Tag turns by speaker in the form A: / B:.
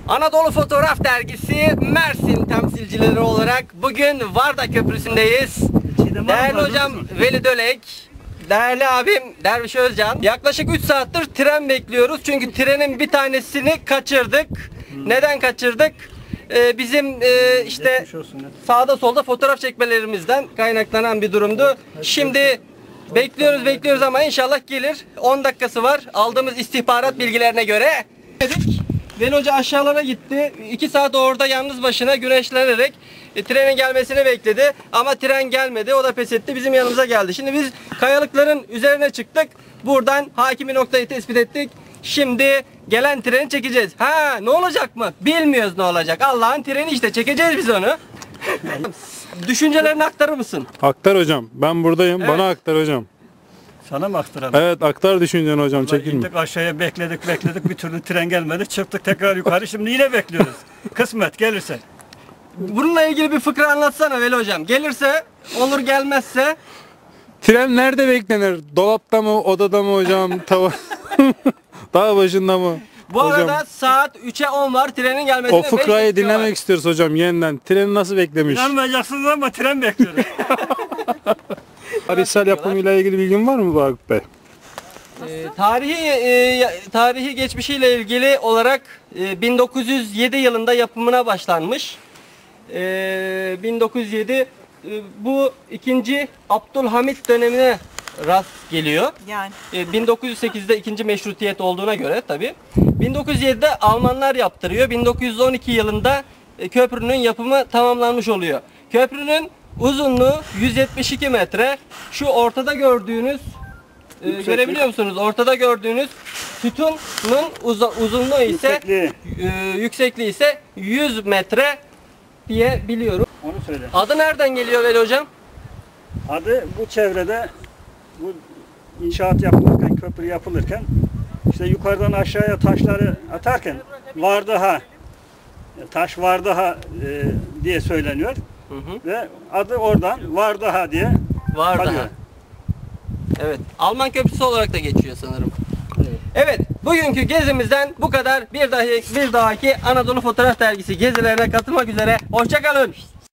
A: Anadolu Fotoğraf Dergisi Mersin temsilcileri olarak bugün Varda Köprüsü'ndeyiz. Değerli hocam Veli Dölek, değerli abim Derviş Özcan. Yaklaşık 3 saattir tren bekliyoruz. Çünkü trenin bir tanesini kaçırdık. Neden kaçırdık? Bizim işte sağda solda fotoğraf çekmelerimizden kaynaklanan bir durumdu. Şimdi bekliyoruz ama inşallah gelir. 10 dakikası var. Aldığımız istihbarat bilgilerine göre. Veli Hoca aşağılara gitti. 2 saat orada yalnız başına güneşlenerek trenin gelmesini bekledi. Ama tren gelmedi. O da pes etti. Bizim yanımıza geldi. Şimdi biz kayalıkların üzerine çıktık. Buradan hakimi noktayı tespit ettik. Şimdi gelen treni çekeceğiz. Ha, ne olacak mı? Bilmiyoruz ne olacak. Allah'ın treni işte, çekeceğiz biz onu. Düşüncelerini aktarır mısın?
B: Aktar hocam. Ben buradayım.
A: Evet.
B: Bana aktar hocam.
C: Sana mı aktaralım?
B: Evet, aktar düşünceni hocam. Çekilme.
C: İndik aşağıya, bekledik bir türlü tren gelmedi. Çıktık tekrar yukarı, şimdi yine bekliyoruz. Kısmet gelirse.
A: Bununla ilgili bir fıkra anlatsana Veli Hocam. Gelirse olur, gelmezse?
B: Tren nerede beklenir? Dolapta mı, odada mı hocam? Dağ başında mı?
A: Bu
B: hocam,
A: arada saat 3'e 10 var, trenin gelmesine
B: o fıkrayı
A: 5 dakika
B: dinlemek
A: var.
B: istiyoruz hocam yeniden. Treni nasıl beklemiş?
C: İnanmayacaksınız ama tren bekliyoruz.
B: Tarihsel yapımıyla ilgili bilgin var mı Vakıf Bey?
A: Tarihi geçmişiyle ilgili olarak 1907 yılında yapımına başlanmış. 1907 bu ikinci Abdülhamit dönemine rast geliyor.
D: Yani
A: 1908'de ikinci meşrutiyet olduğuna göre tabi. 1907'de Almanlar yaptırıyor. 1912 yılında köprünün yapımı tamamlanmış oluyor. Köprünün uzunluğu 172 metre. Şu ortada gördüğünüz görebiliyor musunuz? Ortada gördüğünüz sütunun uzunluğu ise yüksekliği ise 100 metre diye biliyorum.
C: Onu söyle.
A: Adı nereden geliyor Veli Hocam?
C: Adı bu çevrede, bu inşaat yapılırken, köprü yapılırken işte yukarıdan aşağıya taşları atarken Vardaha, taş Vardaha diye söyleniyor. Ve adı oradan Vardaha diye
A: Vardaha.
C: kalıyor.
A: Evet. Alman köprüsü olarak da geçiyor sanırım. Evet. Bugünkü gezimizden bu kadar. Bir dahaki Anadolu Fotoğraf Dergisi gezilerine katılmak üzere. Hoşça kalın.